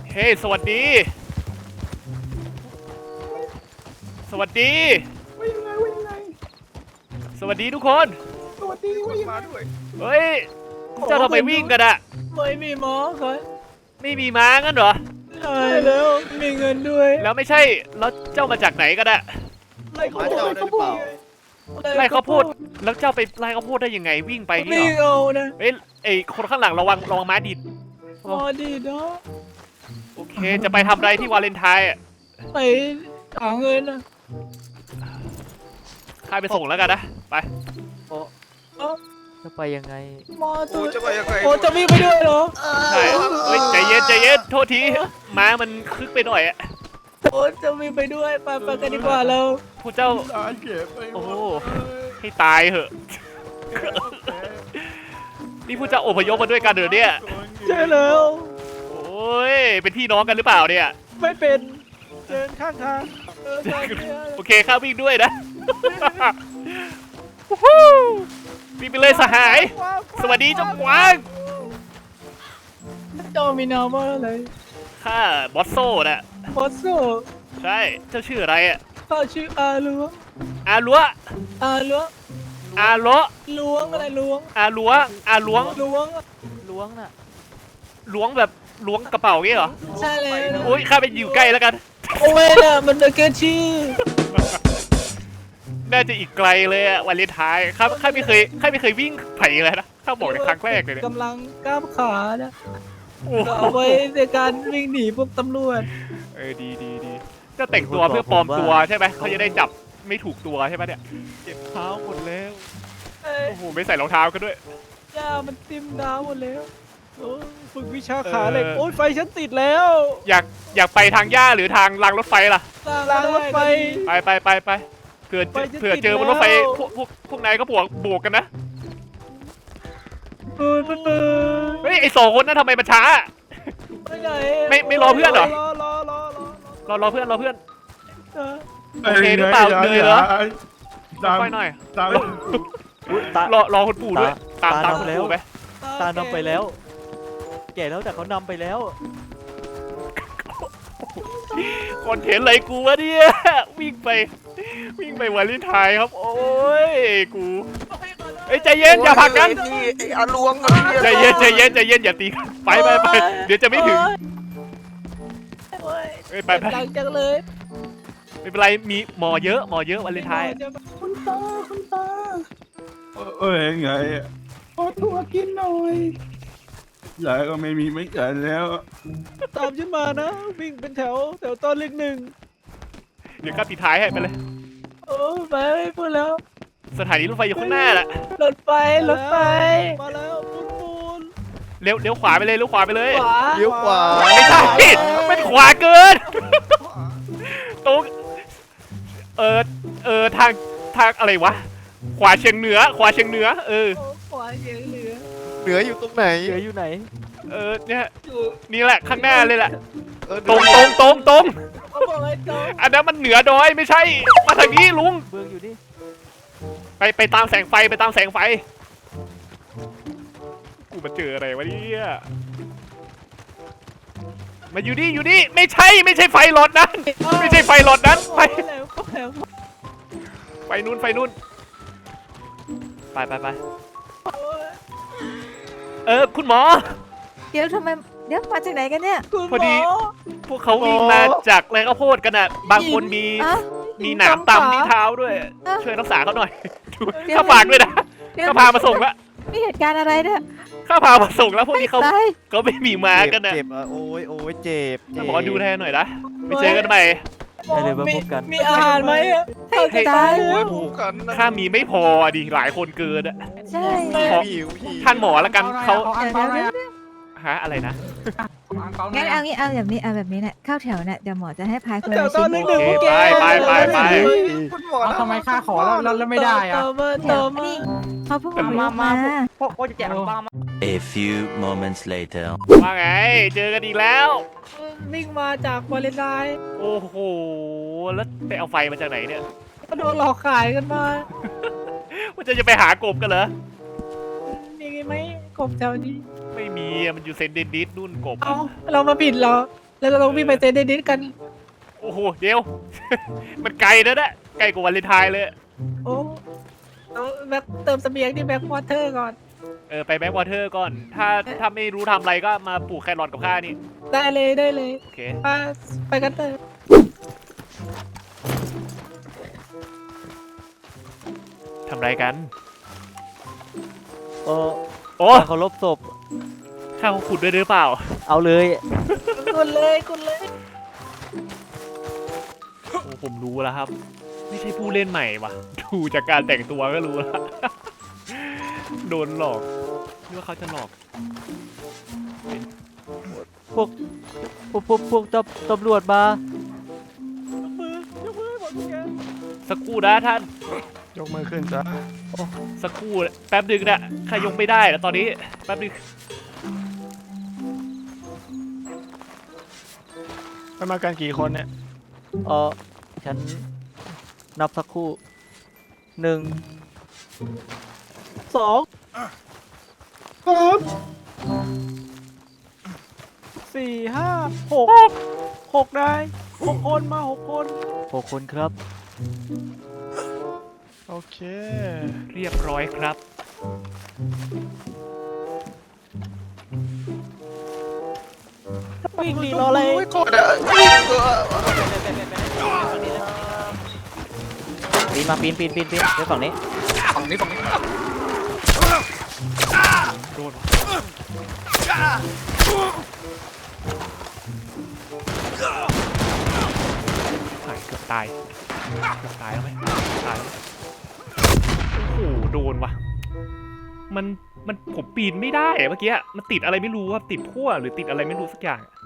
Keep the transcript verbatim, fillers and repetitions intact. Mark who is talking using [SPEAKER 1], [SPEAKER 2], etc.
[SPEAKER 1] เฮ้สวัสดีสวัสดี
[SPEAKER 2] ว่ายังไงว่ายังไง
[SPEAKER 1] สวัสดีทุกคน
[SPEAKER 2] สวัสดีว่ายังไงด้วย
[SPEAKER 1] เฮ้ยเจ้าทำไมวิ่งกันอะ
[SPEAKER 3] ไม่มีหมอครับ
[SPEAKER 1] ไม่มีม้างั้นเหรอ
[SPEAKER 3] ใช่แล้วมีเงินด้วย
[SPEAKER 1] แล้วไม่ใช่แล้วเจ้ามาจากไหนกันอะ
[SPEAKER 3] ไล่เขาพูด
[SPEAKER 2] เจ้าได้หรือเปล่า
[SPEAKER 1] ไล่ข้าวโพดแล้วเจ้าไปไล่ข้าวโพดได้ยังไงวิ่งไปนี่
[SPEAKER 3] ไม่
[SPEAKER 1] เหรอ
[SPEAKER 3] เอานะ
[SPEAKER 1] เฮ้ยไอคนข้างหลังระวังระวังม้าดิด
[SPEAKER 3] พอดีเนาะ
[SPEAKER 1] โอเคจะไปทำอะไรที่วาเลนไทน์อะ
[SPEAKER 3] ไปหาเงินนะ
[SPEAKER 1] ข้าไปส่งแล้วกันนะไป
[SPEAKER 4] จะไปยังไง
[SPEAKER 3] หมอตัว
[SPEAKER 2] จะไปยังไง
[SPEAKER 3] โอ้จะวิ่งไปด้วยเหรอ
[SPEAKER 1] ใช่เฮ้ยใจเย็นใจเย็นโทษทีม้ามันคึกไปหน่อยอะ
[SPEAKER 3] โอ้จะวิ่งไปด้วยไปไปกันดีกว่าเรา
[SPEAKER 1] ผู้เจ้า
[SPEAKER 2] ตายเก็บไป
[SPEAKER 1] โอ้โหให้ตายเหอะนี่ผู้เจ้าอพยพมาด้วยกันเหรอเนี่ย
[SPEAKER 3] ใช่แล้ว
[SPEAKER 1] โอ้ยเป็นพี่น้องกันหรือเปล่าเนี่ย
[SPEAKER 3] ไม่เป็นเดินข้างทางเออไปเนี่ย
[SPEAKER 1] โอเคข้าวิ่งด้วยนะวู้ฮู้วิ่งไปเลยสหาย สวัสดีเจ้ากวาง
[SPEAKER 3] เจ้ามีนามว่าอะไร
[SPEAKER 1] ข้าบอสโซน่ะ
[SPEAKER 3] บอสโซ
[SPEAKER 1] ใช่เจ้าชื่ออะไรอ่ะ
[SPEAKER 3] ข้าชื่ออาล้วง
[SPEAKER 1] อาลัว
[SPEAKER 3] อาล้วง
[SPEAKER 1] อาโล
[SPEAKER 3] ล้วงอะไรล้วง
[SPEAKER 1] อาลัวอาล้วง
[SPEAKER 3] ล้วง
[SPEAKER 4] ล้วงน่ะ
[SPEAKER 1] ล้วงแบบล้วงกระเป๋างี้เหรอ
[SPEAKER 3] ใช่เลยนะ
[SPEAKER 1] โอ้ยข้าไปอยู่ใกล้แล้วกัน
[SPEAKER 3] โอ้ยน่ะมันเป็นแค่ชื่อ
[SPEAKER 1] น่าจะอีกไกลเลยอะวันเลนไทน์ข้าข้าไม่เคยข้าไม่เคยวิ่งไผ่เลยนะข้าบอกในครั้งแรกเลยเนี่ย
[SPEAKER 3] กำลังก้าวขานะ
[SPEAKER 1] โอ้โห
[SPEAKER 3] เอาไว้ในการวิ่งหนีพวกตำรวจ
[SPEAKER 1] เออดีดีดีเจะแต่งตัวเพื่อปลอมตัวใช่ไหมเขาจะได้จับไม่ถูกตัวใช่ไหมเนี่ยเจ็บเท้าหมดแล้ว
[SPEAKER 3] เอ้ย
[SPEAKER 1] โอ้โหไม่ใส่รองเท้ากันด้วย
[SPEAKER 3] ย่ามันติมดาวหมดแล้วโอ้ฝึกวิชา
[SPEAKER 1] เออ
[SPEAKER 3] ขาเหล็กโอ้ยไฟฉันติดแล้ว
[SPEAKER 1] อยากอยากไปทางหญ้าหรือทางรางรถไฟล่ะ
[SPEAKER 3] รางรถไฟ
[SPEAKER 1] ไปไปไปไปเผื่อ
[SPEAKER 3] ไปจะ
[SPEAKER 1] เผื่อ
[SPEAKER 3] ติด
[SPEAKER 1] เจอบนรถไฟ
[SPEAKER 3] แล้ว
[SPEAKER 1] พวกพวกพวกนายก็บวกบวกกันนะ
[SPEAKER 3] เออเออ
[SPEAKER 1] เฮ้ยไอสองคนนั้นทำไมมันช้า
[SPEAKER 3] ไปไหน
[SPEAKER 1] ไม่ไม่รอเพื่อนเหรอ
[SPEAKER 3] รอรอรอรอ
[SPEAKER 1] รอรอเพื่อนรอเพื่อน
[SPEAKER 3] เออ
[SPEAKER 1] โอเคหรือเปล่าเหนื่อยเหรอ
[SPEAKER 2] ตาม
[SPEAKER 1] ค่อยหน่อย
[SPEAKER 2] ตาม
[SPEAKER 4] ตาร
[SPEAKER 1] อรอคุณปู่ด้วยตาม
[SPEAKER 4] ตา
[SPEAKER 1] ตาม
[SPEAKER 4] นำ
[SPEAKER 1] คุณ
[SPEAKER 4] แล้ว
[SPEAKER 1] ปู่ไป
[SPEAKER 4] ตานำไปแล้ว แก่แล้วแต่เขานำไปแล้ว
[SPEAKER 1] คอนเทนต์อะไรกูวะเนี่ยวิ่งไปวิ่งไปวาเลนไทน์ครับโอ้ยกูเอ้ยใจเย็นอย่าผลักกัน
[SPEAKER 2] นี่ไอ้อาลวง
[SPEAKER 1] ใจเย็นใจเย็นใจเย็นอย่าตีกันไปไปไปเดี๋ยวจะไม่ถึง
[SPEAKER 3] โอ้ย
[SPEAKER 1] เอ้ยไปไป
[SPEAKER 3] หลังจากเลย
[SPEAKER 1] ไม่เป็นไรมีหมอเยอะหมอเยอะวาเลนไทน์
[SPEAKER 2] คุณตาคุณตาเอ้ยไงขอตัวกินหน่อยยายก็ไม่มีไม่เกินแล้ว
[SPEAKER 3] ตามฉันมานะ วิ่งเป็นแถวแถวตอนเลขหนึ่ง
[SPEAKER 1] เดี๋ยวข้าปิดท้ายให้ไปเลย
[SPEAKER 3] โอ้ไปพูดแล้ว
[SPEAKER 1] สถานีรถไฟอยู่ข้างหน้าแหละ
[SPEAKER 3] รถไฟรถไฟมาแล้วปูนปูน
[SPEAKER 1] เลี้ยวเลี้ยวขวาไปเลยเลี้ยวขวาไปเลย
[SPEAKER 3] ขวา
[SPEAKER 2] เลี้ยวขวา
[SPEAKER 1] ไม่ใช่เป็นขวาเกินตรงเออเออทางทางอะไรวะขวาเฉียงเหนือ ขวาเฉียงเหนือเออ
[SPEAKER 3] โอ้ขวาเหนือเหนือ
[SPEAKER 2] เหนืออยู่ตรงไหน
[SPEAKER 4] เหลืออยู่ไหน
[SPEAKER 1] เออเนี่ย
[SPEAKER 3] อยู่
[SPEAKER 1] นี่แหละข้างหน้าเลยแหละ
[SPEAKER 2] เออ
[SPEAKER 1] ตรงตรงตรงตรง
[SPEAKER 3] เขาบอกให้ตรง
[SPEAKER 1] อันนั้นมันเหนือดอยไม่ใช่ มาทางนี้ลุง
[SPEAKER 4] เบืองอยู่นี่
[SPEAKER 1] ไปไปตามแสงไฟไปตามแสงไฟ กูมาเจออะไรวะเนี่ยมาอยู่นี่อยู่นี่ไม่ใช่ไม่ใช่ไฟหลอดนั้น ไม่ใช่ไฟหลอดนั้นไป
[SPEAKER 3] เข้าแล้วเข้าแล้ว
[SPEAKER 1] ไฟนู่นไฟนู่นไปไปไป
[SPEAKER 3] โอ้ย
[SPEAKER 1] เออคุณหมอ
[SPEAKER 5] เดี๋ยวทำไมเดี๋ยวมาจากไหนกันเนี่ย
[SPEAKER 3] คุณห
[SPEAKER 1] พอ
[SPEAKER 3] ม
[SPEAKER 1] ดี
[SPEAKER 3] อ
[SPEAKER 1] พวกเขาวิ่งมาจากไรข้าวโพดกันอ่ะ บางคนมี
[SPEAKER 5] อะ
[SPEAKER 1] มีหนามตำที่เท้าด้วย
[SPEAKER 5] เอ้า
[SPEAKER 1] ช่วยรักษาเขาหน่อยดู
[SPEAKER 5] เดี๋ยว
[SPEAKER 1] ข้าฝากด้วยนะ
[SPEAKER 5] เดี๋ยว
[SPEAKER 1] ข้าพามาส่งละ
[SPEAKER 5] มีเหตุการณ์อะไรเนี่ย
[SPEAKER 1] ข้าพามาส่งแล้วพวกนี้เขา
[SPEAKER 5] ตาย
[SPEAKER 1] เขาไม่มีมากันนะ
[SPEAKER 2] เจ็บอ่ะโอ้ยโอ้ยเจ็บเจ็บ
[SPEAKER 1] หมอดูแทนหน่อยนะไปเจอกันใหม่
[SPEAKER 4] ได้เลยมาพบกัน
[SPEAKER 3] มีอาหารไหมอะ
[SPEAKER 5] ให้
[SPEAKER 3] จะ
[SPEAKER 5] ตาย
[SPEAKER 3] แล้ว
[SPEAKER 2] ผูกกันนะ
[SPEAKER 1] ข้ามีไม่พอดิหลายคนเกินอะ
[SPEAKER 5] ใช่
[SPEAKER 1] ขอ
[SPEAKER 2] หิวหิว
[SPEAKER 1] ท่านหมอละกันเขา
[SPEAKER 5] เดี๋ยวเดี๋ยวเดี๋ยว
[SPEAKER 1] ฮะอะไรนะ
[SPEAKER 5] งั้นเอางี้เอาแบบนี้เอาแบบนี้เนี่ยเข้าแถวเนี่ยเดี๋ยวหมอจะให้พายคน
[SPEAKER 3] เดี๋ยว
[SPEAKER 5] ละ
[SPEAKER 3] ตอ
[SPEAKER 5] ชิ้
[SPEAKER 3] น
[SPEAKER 5] น
[SPEAKER 3] เลขหนึ่ง
[SPEAKER 1] โอ
[SPEAKER 3] พวก
[SPEAKER 1] เค
[SPEAKER 3] แก
[SPEAKER 1] ไปไปไปไป
[SPEAKER 2] คุณหมอ
[SPEAKER 6] เอาทำไมค่าขอแล้วแล้วแล้วไม่ได้อะ
[SPEAKER 3] เติมมา
[SPEAKER 5] แถ
[SPEAKER 3] เติ
[SPEAKER 5] ว
[SPEAKER 3] มมา
[SPEAKER 5] นี่เขาเพิ่ง
[SPEAKER 6] มา
[SPEAKER 5] มา
[SPEAKER 6] มา
[SPEAKER 5] มา
[SPEAKER 6] พวกพวกจะแจกขนมปังมา
[SPEAKER 7] A few moments later.
[SPEAKER 1] ว่าไง เจอกันอีกแล้ว
[SPEAKER 3] วิ่งมาจากวาเลนไทน์
[SPEAKER 1] โอ้โหแล้วไปเอาไฟมาจากไหนเนี่ย
[SPEAKER 3] ก็โดนหลอกขายกันมา
[SPEAKER 1] ว่าจะจะไปหากบกันเหรอ
[SPEAKER 3] มีไหมกบแถวนี้
[SPEAKER 1] ไม่มีอะมันอยู่เซนเดนดิสนู่นกบ
[SPEAKER 3] เอาเรามาปิดเหรอแล้วเราต้องวิ่งไปเตนนิดกัน
[SPEAKER 1] โอ้โหเดี๋ยว มันไกลนะเนี่ยไกลกว่าวันเลนไทน์เลย
[SPEAKER 3] โอ้เอาแบ็คเติมเสบียงที่แบ็ควอเตอร์ก่อน
[SPEAKER 1] เออไปแบ็ควอเตอร์ก่อน ถ้าถ้าไม่รู้ทำอะไรก็มาปลูกแครอทกับข้านี่
[SPEAKER 3] ได้เลยได้เลย
[SPEAKER 1] โอเค
[SPEAKER 3] ไปไปกันเถอะ
[SPEAKER 1] ทำอะไรกัน
[SPEAKER 4] โอ้
[SPEAKER 1] โอ้
[SPEAKER 4] เคารพศพ
[SPEAKER 1] ข้าเขาขุดด้วยหรือเปล่า
[SPEAKER 4] เอาเลย
[SPEAKER 3] กุนเลยกุนเลย
[SPEAKER 1] โอ้ผมรู้แล้วครับ ไม่ใช่ผู้เล่นใหม่ว่ะ ดูจากการแต่งตัวก็รู้แล้ว โดนหลอกคิดว่าเขาจะหลอก
[SPEAKER 4] พวกพวกพวกพวกตำตำรวจมา
[SPEAKER 3] ยกมือยกมือให้หมดทุกอย่าง
[SPEAKER 1] สักครู่นะท่าน
[SPEAKER 2] ยกมือขึ้นซะ
[SPEAKER 1] สักครู่แป๊บดึงนะข้ายกไม่ได้แล้วตอนนี้แป๊บดึง
[SPEAKER 2] ไปมากันกี่คนเนี่ย
[SPEAKER 4] เออฉันนับสักครู่หนึ่ง
[SPEAKER 3] สอง
[SPEAKER 2] ครับ
[SPEAKER 3] สี่ห้าหกหกได้หกคนมาหกคน
[SPEAKER 4] หกคนครับ
[SPEAKER 2] โอเค
[SPEAKER 1] เรียบร้อยครับ
[SPEAKER 3] วิ่งหนีรออะไร
[SPEAKER 4] ปีนมาปีนปีนปีนปีนเดี๋ยวฝั่งนี้
[SPEAKER 2] ฝั่งนี้ฝั่งนี้
[SPEAKER 1] โดนหายเกือบตายเกือบตายแล้วไหมตายแล้วโอ้โหโดนว่ะมันมันผมปีนไม่ได้อะเมื่อกี้มันติดอะไรไม่รู้ว่าติดพั่วหรือติดอะไรไม่รู้สักอย่างอะ